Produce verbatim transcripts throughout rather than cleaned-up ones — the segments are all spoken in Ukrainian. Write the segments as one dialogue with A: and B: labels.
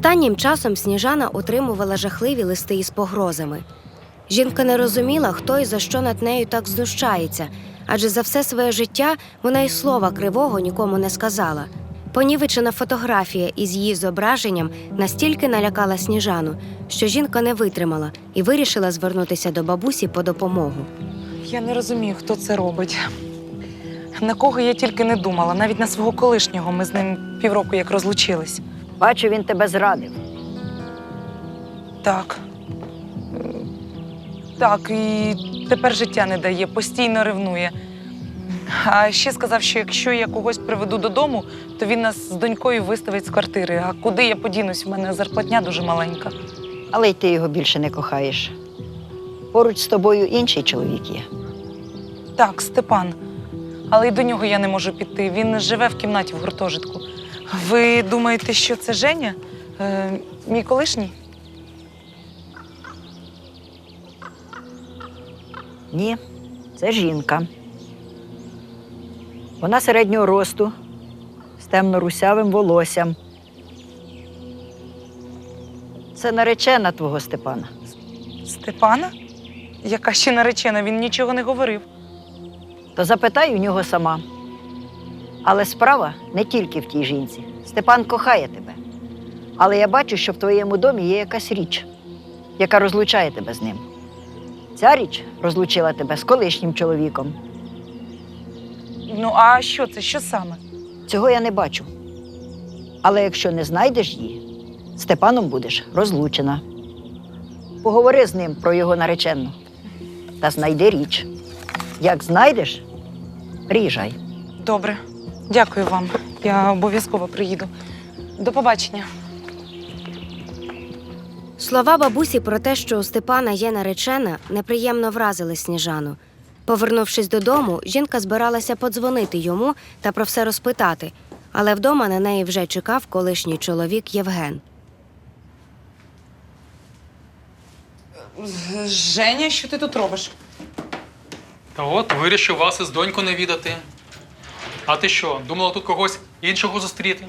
A: Останнім часом Сніжана отримувала жахливі листи із погрозами. Жінка не розуміла, хто і за що над нею так знущається, адже за все своє життя вона й слова кривого нікому не сказала. Понівечена фотографія із її зображенням настільки налякала Сніжану, що жінка не витримала і вирішила звернутися до бабусі по допомогу.
B: Я не розумію, хто це робить. На кого я тільки не думала, навіть на свого колишнього. Ми з ним півроку як розлучились.
C: Бачу, він тебе зрадив.
B: Так. Е, Так, і тепер життя не дає, постійно ревнує. А ще сказав, що якщо я когось приведу додому, то він нас з донькою виставить з квартири. А куди я подінусь? У мене зарплатня дуже маленька.
C: Але й ти його більше не кохаєш. Поруч з тобою інший чоловік є.
B: Так, Степан. Але й до нього я не можу піти. Він живе в кімнаті в гуртожитку. Ви думаєте, що це Женя? Е, мій колишній?
C: Ні, це жінка. Вона середнього росту, з темно-русявим волоссям. Це наречена твого Степана.
B: Степана? Яка ще наречена? Він нічого не говорив.
C: То запитай у нього сама. Але справа не тільки в тій жінці. Степан кохає тебе. Але я бачу, що в твоєму домі є якась річ, яка розлучає тебе з ним. Ця річ розлучила тебе з колишнім чоловіком.
B: Ну, а що це? Що саме?
C: Цього я не бачу. Але якщо не знайдеш її, з Степаном будеш розлучена. Поговори з ним про його наречену та знайди річ. Як знайдеш, приїжджай.
B: Добре. Дякую вам. Я обов'язково приїду. До побачення.
A: Слова бабусі про те, що у Степана є наречена, неприємно вразили Сніжану. Повернувшись додому, жінка збиралася подзвонити йому та про все розпитати, але вдома на неї вже чекав колишній чоловік Євген.
B: Женя, що ти тут робиш?
D: Та от, вирішив вас із доньку не відати. А ти що, думала тут когось іншого зустріти?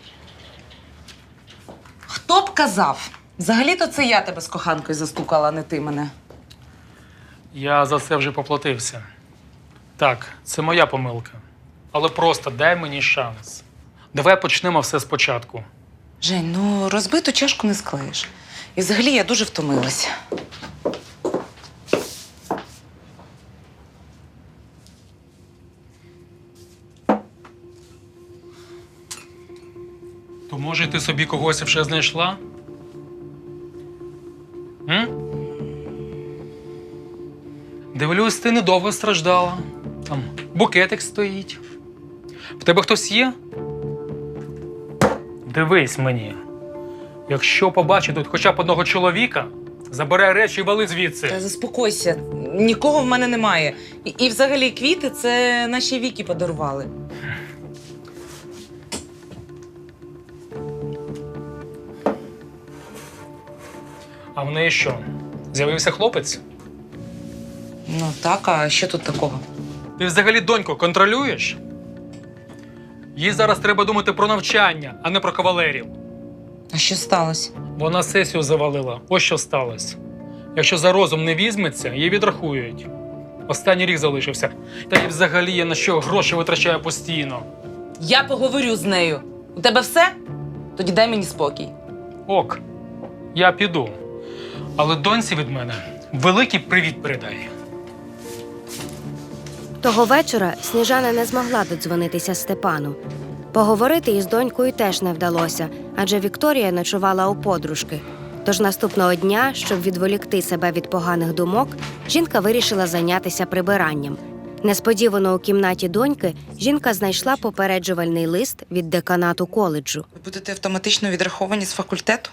B: Хто б казав? Взагалі-то це я тебе з коханкою застукала, а не ти мене.
D: Я за це вже поплатився. Так, це моя помилка. Але просто дай мені шанс. Давай почнемо все спочатку.
B: Жень, ну розбиту чашку не склеїш. І взагалі я дуже втомилася.
D: То може ти собі когось вже знайшла? М? Дивлюсь, ти недовго страждала. Там букетик стоїть. В тебе хтось є? Дивись мені. Якщо побачу тут хоча б одного чоловіка, забирай речі і вали звідси.
B: Та заспокойся, нікого в мене немає. І, і взагалі квіти це наші Вікі подарували.
D: А в неї що? З'явився хлопець?
B: Ну так, а що тут такого?
D: Ти взагалі доньку контролюєш? Їй зараз треба думати про навчання, а не про кавалерів.
B: А що сталося?
D: Вона сесію завалила. Ось що сталося. Якщо за розум не візьметься, її відрахують. Останній рік залишився. Та й взагалі я на що гроші витрачаю постійно.
B: Я поговорю з нею. У тебе все? Тоді дай мені спокій.
D: Ок, я піду. Але доньці від мене великий привіт передай.
A: Того вечора Сніжана не змогла додзвонитися Степану. Поговорити із донькою теж не вдалося, адже Вікторія ночувала у подружки. Тож наступного дня, щоб відволікти себе від поганих думок, жінка вирішила зайнятися прибиранням. Несподівано у кімнаті доньки жінка знайшла попереджувальний лист від деканату коледжу.
B: Ви будете автоматично відраховані з факультету?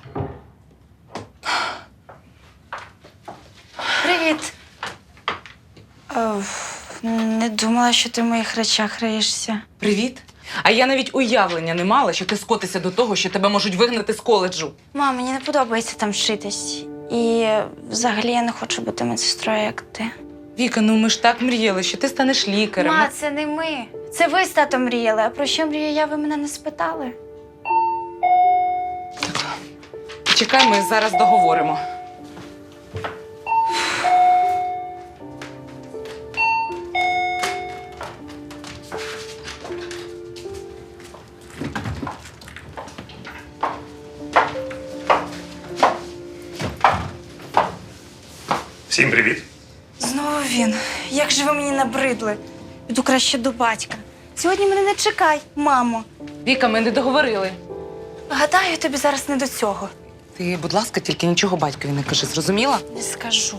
E: Привіт. О, не думала, що ти в моїх речах риєшся.
B: Привіт. А я навіть уявлення не мала, що ти скотишся до того, що тебе можуть вигнати з коледжу.
E: Мам, мені не подобається там вчитись. І взагалі я не хочу бути медсестрою, як ти.
B: Віка, ну ми ж так мріяли, що ти станеш лікарем.
E: Ма, це не ми. Це ви з татом мріяли. А про що мрію я, ви мене не спитали?
B: Зачекай, ми зараз договоримо.
F: Всім привіт.
E: Знову він. Як же ви мені набридли? Піду краще до батька. Сьогодні мене не чекай, мамо.
B: Віка, ми не договорили.
E: Гадаю, тобі зараз не до цього.
B: Ти, будь ласка, тільки нічого батькові не кажи, зрозуміла?
E: Не скажу.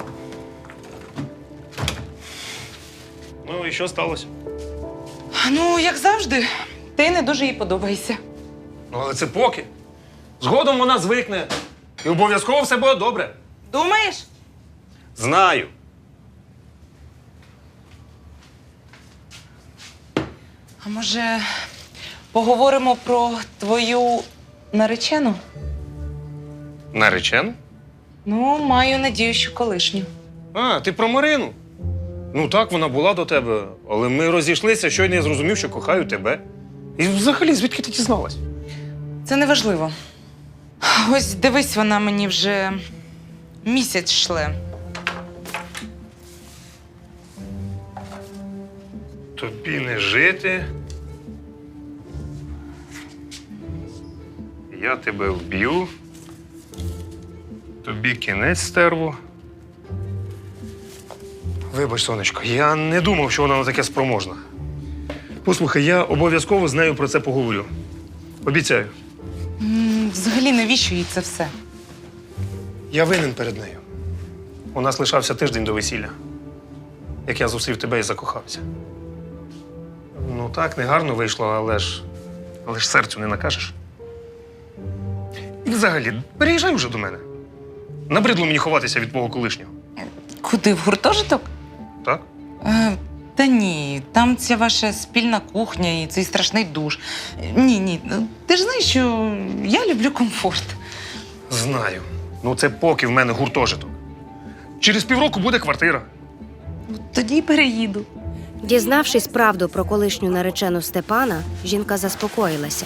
F: Ну і що сталося?
B: Ну, як завжди, ти не дуже їй подобаєшся.
F: Ну, але це поки. Згодом вона звикне. І обов'язково все буде добре.
B: Думаєш?
F: Знаю.
B: А може, поговоримо про твою наречену?
F: Наречену?
B: Ну, маю надію, що колишню.
F: А, ти про Марину? Ну так, вона була до тебе, але ми розійшлися, щойно я зрозумів, що кохаю тебе. І взагалі, звідки ти дізналась?
B: Це не важливо. Ось дивись, вона мені вже місяць шле.
F: Тобі не жити. Я тебе вб'ю. Тобі кінець, стерво. Вибач, сонечко, я не думав, що вона на таке спроможна. Послухай, я обов'язково з нею про це поговорю. Обіцяю.
B: М, Взагалі, навіщо їй це все?
F: Я винен перед нею. У нас лишався тиждень до весілля, як я зустрів тебе і закохався. Ну так, негарно вийшло, але ж. Але ж серцю не накажеш. І взагалі, переїжджай вже до мене. Набридло мені ховатися від твого колишнього.
B: Куди, в гуртожиток?
F: Так?
B: Е, та ні, там ця ваша спільна кухня і цей страшний душ. Е, Ні, ні. ну, Ти ж знаєш, що я люблю комфорт.
F: Знаю. Ну це поки в мене гуртожиток. Через півроку буде квартира.
B: Тоді й переїду.
A: Дізнавшись правду про колишню наречену Степана, жінка заспокоїлася.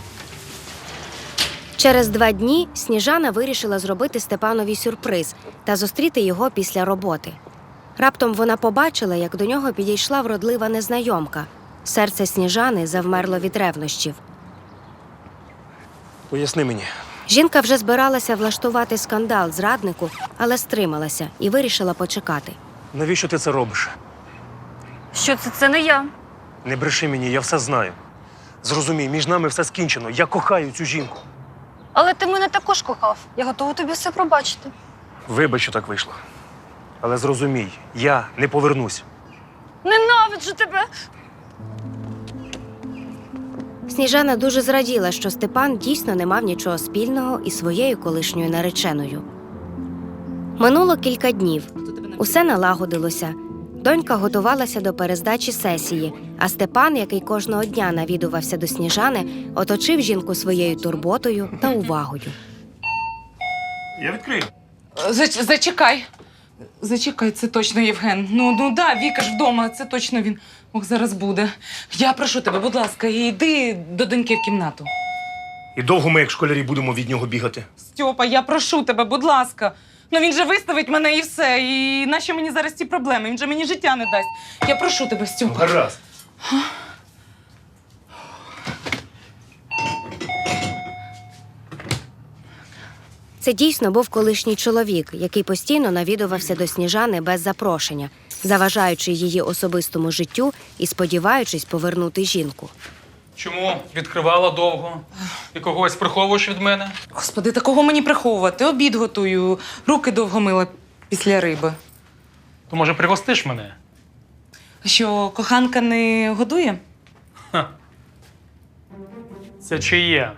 A: Через два дні Сніжана вирішила зробити Степанові сюрприз та зустріти його після роботи. Раптом вона побачила, як до нього підійшла вродлива незнайомка. Серце Сніжани завмерло від ревнощів.
F: Поясни мені.
A: Жінка вже збиралася влаштувати скандал зраднику, але стрималася і вирішила почекати.
F: Навіщо ти це робиш?
E: Що це? Це не я.
F: Не бреши мені, я все знаю. Зрозумій, між нами все скінчено. Я кохаю цю жінку.
G: Але ти мене також кохав. Я готова тобі все пробачити.
F: Вибач, що так вийшло. Але зрозумій, я не повернусь.
G: Ненавиджу тебе!
A: Сніжана дуже зраділа, що Степан дійсно не мав нічого спільного із своєю колишньою нареченою. Минуло кілька днів. Усе налагодилося. Донька готувалася до перездачі сесії, а Степан, який кожного дня навідувався до Сніжани, оточив жінку своєю турботою та увагою.
F: Я відкрию.
B: Зач- Зачекай. Зачекай, це точно Євген. Ну, ну да, Віка ж вдома, це точно він. Ох, зараз буде. Я прошу тебе, будь ласка, йди до доньки в кімнату.
F: І довго ми, як школярі, будемо від нього бігати.
B: Стьопа, я прошу тебе, будь ласка. Ну він же виставить мене і все. І нащо мені зараз ці проблеми? Він же мені життя не дасть. Я прошу тебе, Стьопа.
F: Гаразд.
A: Це дійсно був колишній чоловік, який постійно навідувався до Сніжани без запрошення, заважаючи її особистому життю і сподіваючись повернути жінку.
D: Чому відкривала довго? І когось приховуєш від мене?
B: Господи, такого мені приховувати. Обід готую, руки довго мила після риби.
D: То, може, пригостиш мене?
B: Що, коханка не годує?
D: Це чиє?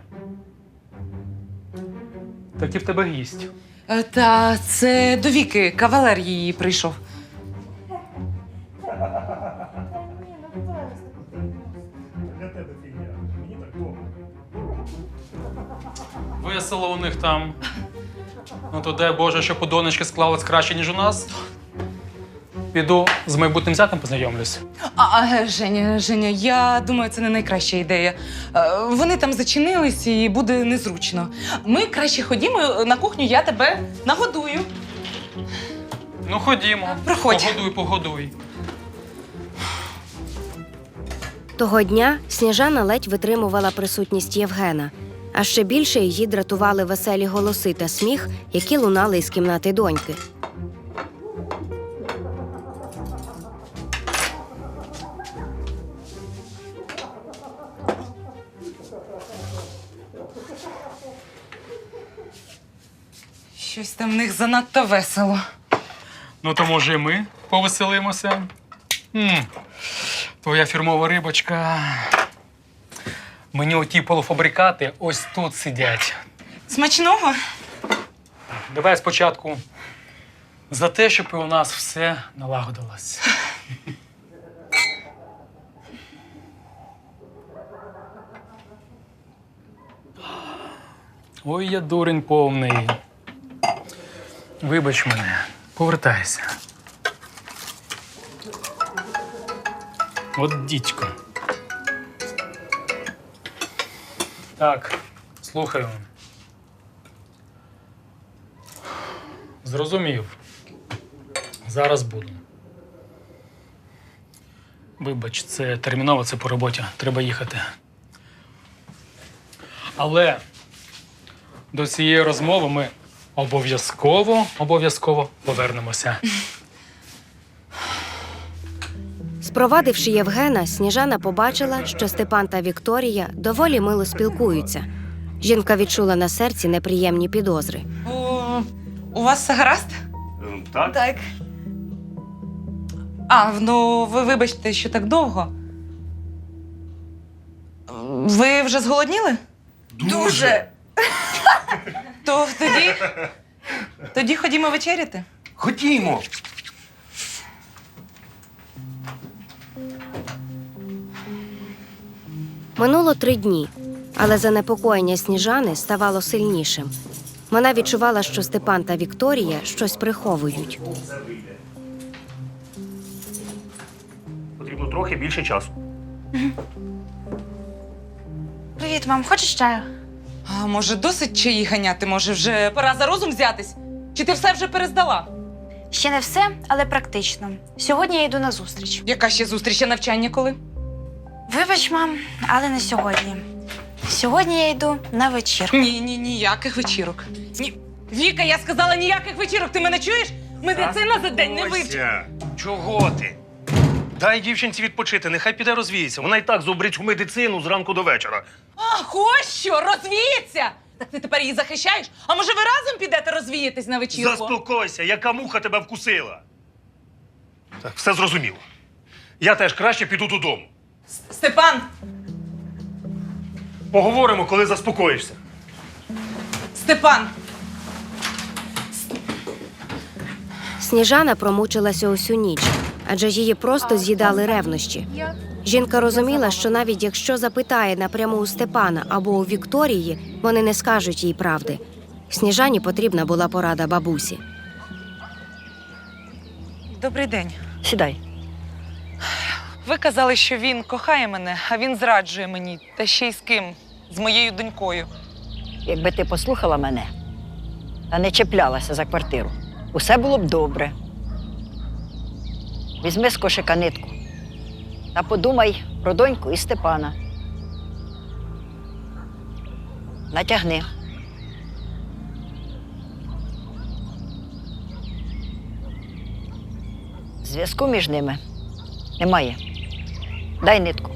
D: Так і в тебе гість.
B: Е, Та це до Віки, кавалер її прийшов.
D: Весело у них там. Ну то дай Боже, щоб у донечки склалось краще, ніж у нас. Піду з майбутнім зятем познайомлюсь.
B: А, а, Женя, Женя, я думаю, це не найкраща ідея. Е, Вони там зачинились і буде незручно. Ми краще ходімо на кухню, я тебе нагодую.
D: Ну, ходімо.
B: Проходь.
D: Погодуй, погодуй.
A: Того дня Сніжана ледь витримувала присутність Євгена, а ще більше її дратували веселі голоси та сміх, які лунали із кімнати доньки.
B: Щось там в них занадто весело.
D: Ну, то може і ми повеселимося. м Твоя фірмова рибочка. Мені оті полуфабрикати ось тут сидять.
B: Смачного?
D: Давай спочатку за те, щоб і у нас все налагодилось. Ой, я дурень повний. Вибач мене, повертайся. От дідько. Так, слухаю. Зрозумів. Зараз буду. Вибач, це терміново, це по роботі. Треба їхати. Але до цієї розмови ми обов'язково, обов'язково повернемося.
A: Спровадивши Євгена, Сніжана побачила, що Степан та Вікторія доволі мило спілкуються. Жінка відчула на серці неприємні підозри.
B: О, у вас все гаразд?
F: Так?
E: Так.
B: А, ну ви вибачте, що так довго. Ви вже зголодніли?
E: Дуже.
B: То тоді. Тоді ходімо вечеряти.
F: Ходімо!
A: Минуло три дні, але занепокоєння Сніжани ставало сильнішим. Вона відчувала, що Степан та Вікторія щось приховують.
F: Потрібно трохи більше часу.
E: Привіт, мам, хочеш чаю?
B: А може, досить чаї ганяти? Може, вже пора за розум взятись? Чи ти все вже перездала?
E: Ще не все, але практично. Сьогодні я йду на зустріч.
B: Яка ще зустріч, а навчання коли?
E: Вибач, мам, але не сьогодні. Сьогодні я йду на вечірку.
B: Ні, ні, ніяких вечірок. Ні. Віка, я сказала ніяких вечірок. Ти мене чуєш? Медицина за день не вивчить.
F: Ося, чого ти? Дай дівчинці відпочити, нехай піде розвіється. Вона і так зубрить в медицину зранку до вечора.
B: Ах, ось що, розвіється! Так ти тепер її захищаєш? А може ви разом підете розвіятись на вечірку?
F: Заспокойся, яка муха тебе вкусила. Так, все зрозуміло. Я теж краще піду додому.
B: Степан!
F: Поговоримо, коли заспокоїшся.
B: Степан!
A: Сніжана промучилася усю ніч, адже її просто з'їдали ревнощі. Жінка розуміла, що навіть якщо запитає напряму у Степана або у Вікторії, вони не скажуть їй правди. Сніжані потрібна була порада бабусі.
B: Добрий день.
C: Сідай.
B: Ви казали, що він кохає мене, а він зраджує мені. Та ще й з ким? З моєю донькою.
C: Якби ти послухала мене та не чіплялася за квартиру, усе було б добре. Візьми з кошика нитку та подумай про доньку і Степана. Натягни. Зв'язку між ними немає. Дай нитку.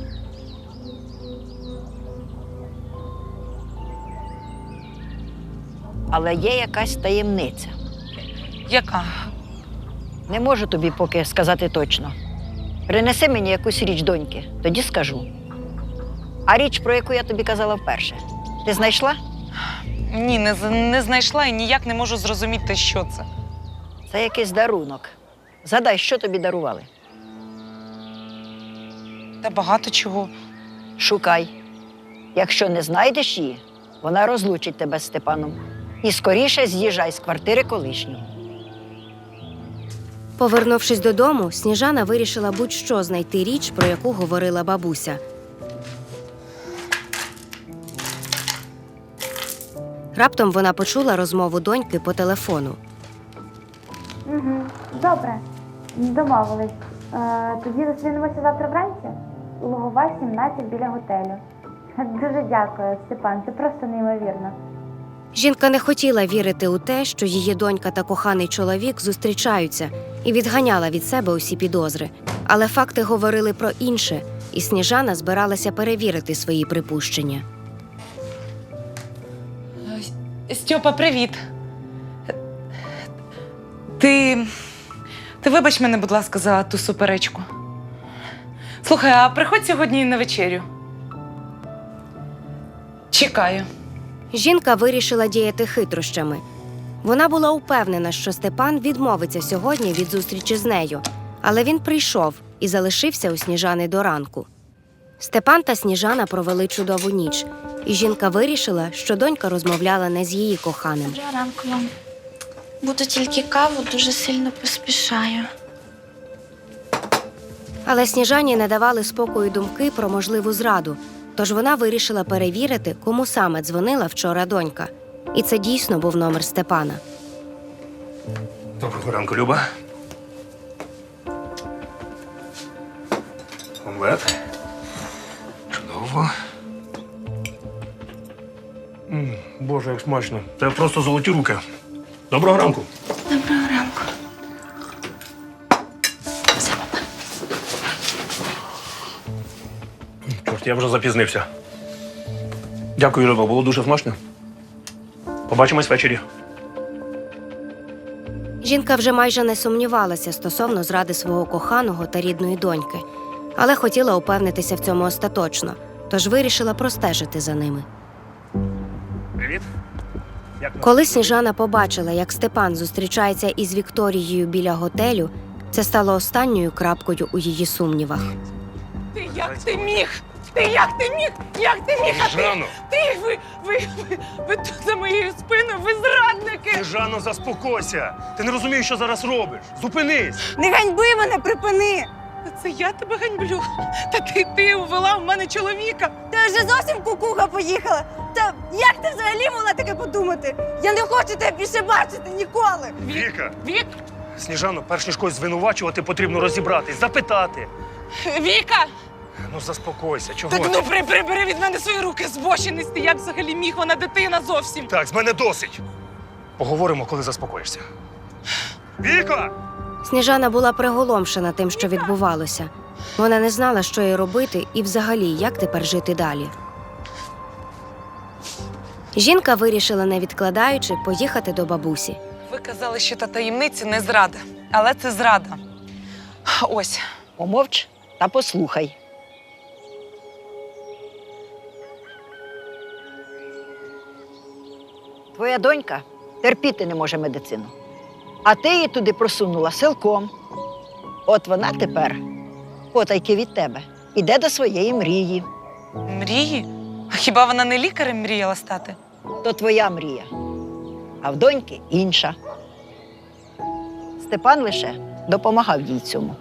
C: Але є якась таємниця.
B: Яка?
C: Не можу тобі поки сказати точно. Принеси мені якусь річ доньки, тоді скажу. А річ, про яку я тобі казала вперше, ти знайшла?
B: Ні, не, з- не знайшла і ніяк не можу зрозуміти, що це.
C: Це якийсь дарунок. Згадай, що тобі дарували.
B: Та багато чого.
C: Шукай. Якщо не знайдеш її, вона розлучить тебе з Степаном. І скоріше з'їжджай з квартири колишнього.
A: Повернувшись додому, Сніжана вирішила будь-що знайти річ, про яку говорила бабуся. Раптом вона почула розмову доньки по телефону.
H: Угу. Добре, домовились. Е, тоді зустрінемося завтра вранці. Лугова, сімнадцять, біля готелю. Дуже дякую, Степан, це просто неймовірно.
A: Жінка не хотіла вірити у те, що її донька та коханий чоловік зустрічаються, і відганяла від себе усі підозри. Але факти говорили про інше, і Сніжана збиралася перевірити свої припущення.
B: Стьопа, привіт. Ти. Ти вибач мене, будь ласка, за ту суперечку. Слухай, а приходь сьогодні на вечерю. Чекаю.
A: Жінка вирішила діяти хитрощами. Вона була упевнена, що Степан відмовиться сьогодні від зустрічі з нею, але він прийшов і залишився у Сніжани до ранку. Степан та Сніжана провели чудову ніч, і жінка вирішила, що донька розмовляла не з її коханим.
E: Доброго ранку вам. Буду тільки каву, дуже сильно поспішаю.
A: Але Сніжані не давали спокою думки про можливу зраду, тож вона вирішила перевірити, кому саме дзвонила вчора донька. І це дійсно був номер Степана.
F: Доброго ранку, Люба. Омлет. Чудово. М, Боже, як смачно. Це просто золоті руки. Доброго ранку.
E: Доброго ранку.
F: Чорт, я вже запізнився. Дякую, Люба, було дуже смачно. Побачимось ввечері.
A: Жінка вже майже не сумнівалася стосовно зради свого коханого та рідної доньки, але хотіла упевнитися в цьому остаточно, тож вирішила простежити за ними.
F: Привіт. Як
A: Коли Сніжана побачила, як Степан зустрічається із Вікторією біля готелю, це стало останньою крапкою у її сумнівах.
B: Ти як ти міг? Ти як ти міг? Як ти міг? А ти,
F: Жанно!
B: ти ви, ви, ви, ви тут за моєю спиною, ви зрадники!
F: Жанно, заспокойся! Ти не розумієш, що зараз робиш. Зупинись!
E: Не ганьби мене, припини!
B: Та це я тебе ганьблю. Та ти, ти увела в мене чоловіка.
E: Ти вже зовсім кукуха поїхала. Та як ти взагалі могла таке подумати? Я не хочу тебе більше бачити ніколи.
F: Віка!
B: Вік,
F: Сніжано, перш ніж когось звинувачувати, потрібно розібратись, запитати.
B: Віка!
F: Ну, заспокойся, чого
B: Так
F: ти?
B: ну при, прибери від мене свої руки, збочинець ти. Як взагалі міг? Вона дитина зовсім.
F: Так, з мене досить. Поговоримо, коли заспокоїшся. Віка!
A: Сніжана була приголомшена тим, що відбувалося. Вона не знала, що їй робити і взагалі, як тепер жити далі. Жінка вирішила, не відкладаючи, поїхати до бабусі.
B: Ви казали, що та таємниця не зрада. Але це зрада. Ось.
C: Помовч та послухай. Твоя донька терпіти не може медицину. А ти її туди просунула силком. От вона тепер, потайки від тебе, іде до своєї мрії.
B: Мрії? А хіба вона не лікарем мріяла стати?
C: То твоя мрія. А в доньки інша. Степан лише допомагав їй цьому.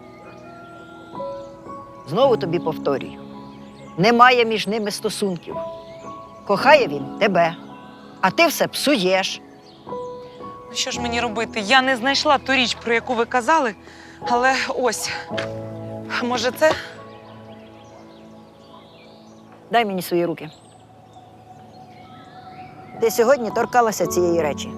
C: Знову тобі повторюю. Немає між ними стосунків. Кохає він тебе, а ти все псуєш.
B: Ну що ж мені робити? Я не знайшла ту річ, про яку ви казали, але ось. А може це?
C: Дай мені свої руки. Ти сьогодні торкалася цієї речі.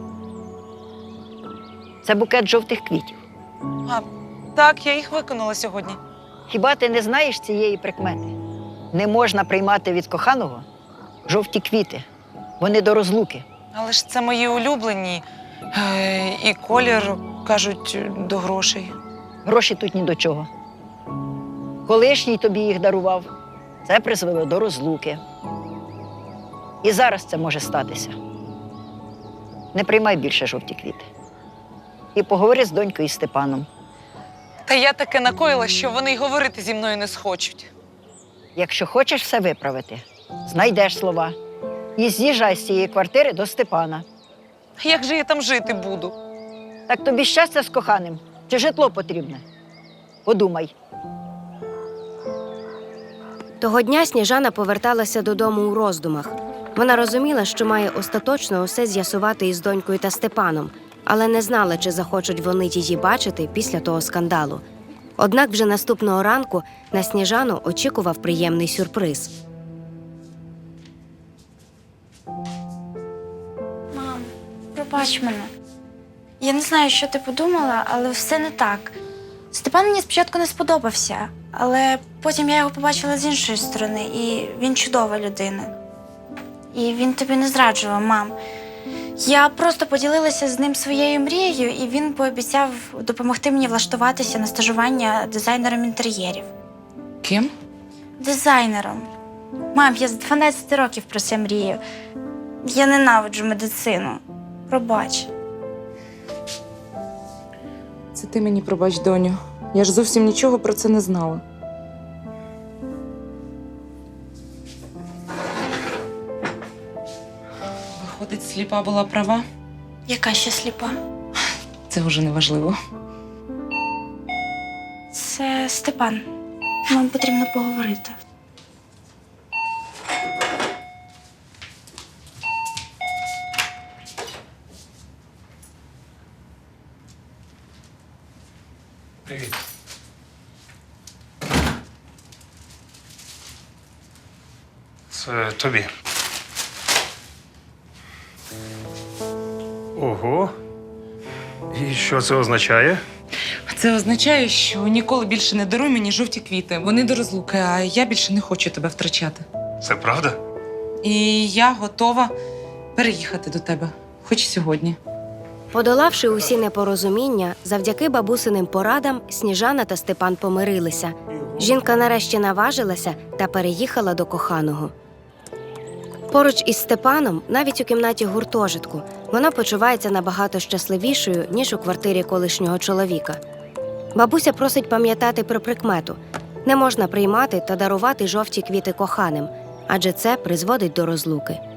C: Це букет жовтих квітів.
B: А, так, я їх виконала сьогодні.
C: Хіба ти не знаєш цієї прикмети? Не можна приймати від коханого жовті квіти. Вони до розлуки.
B: Але ж це мої улюблені. Е, і колір, кажуть, до грошей.
C: Гроші тут ні до чого. Колишній тобі їх дарував. Це призвело до розлуки. І зараз це може статися. Не приймай більше жовті квіти. І поговори з донькою і Степаном.
B: Та я таке накоїла, що вони й говорити зі мною не схочуть.
C: Якщо хочеш все виправити, знайдеш слова. І з'їжджай з цієї квартири до Степана.
B: Як же я там жити буду?
C: Так тобі щастя з коханим чи житло потрібне? Подумай.
A: Того дня Сніжана поверталася додому у роздумах. Вона розуміла, що має остаточно усе з'ясувати із донькою та Степаном, але не знала, чи захочуть вони її бачити після того скандалу. Однак вже наступного ранку на Сніжану очікував приємний сюрприз.
E: Мам, пробач мене. Я не знаю, що ти подумала, але все не так. Степан мені спочатку не сподобався, але потім я його побачила з іншої сторони, і він чудова людина. І він тобі не зраджував, мам. Я просто поділилася з ним своєю мрією, і він пообіцяв допомогти мені влаштуватися на стажування дизайнером інтер'єрів.
B: Ким?
E: Дизайнером. Мам, я з дванадцяти років про це мрію. Я ненавиджу медицину. Пробач.
B: Це ти мені пробач, доню. Я ж зовсім нічого про це не знала. Виходить, сліпа була права?
E: Яка ще сліпа?
B: Це вже не важливо.
E: Це Степан. Нам потрібно поговорити.
F: Привіт. Це тобі. Ого. І що це означає?
B: Це означає, що ніколи більше не даруй мені жовті квіти. Вони до розлуки, а я більше не хочу тебе втрачати.
F: Це правда?
B: І я готова переїхати до тебе, хоч сьогодні.
A: Подолавши усі непорозуміння, завдяки бабусиним порадам Сніжана та Степан помирилися. Жінка нарешті наважилася та переїхала до коханого. Поруч із Степаном, навіть у кімнаті гуртожитку, вона почувається набагато щасливішою, ніж у квартирі колишнього чоловіка. Бабуся просить пам'ятати про прикмету – не можна приймати та дарувати жовті квіти коханим, адже це призводить до розлуки.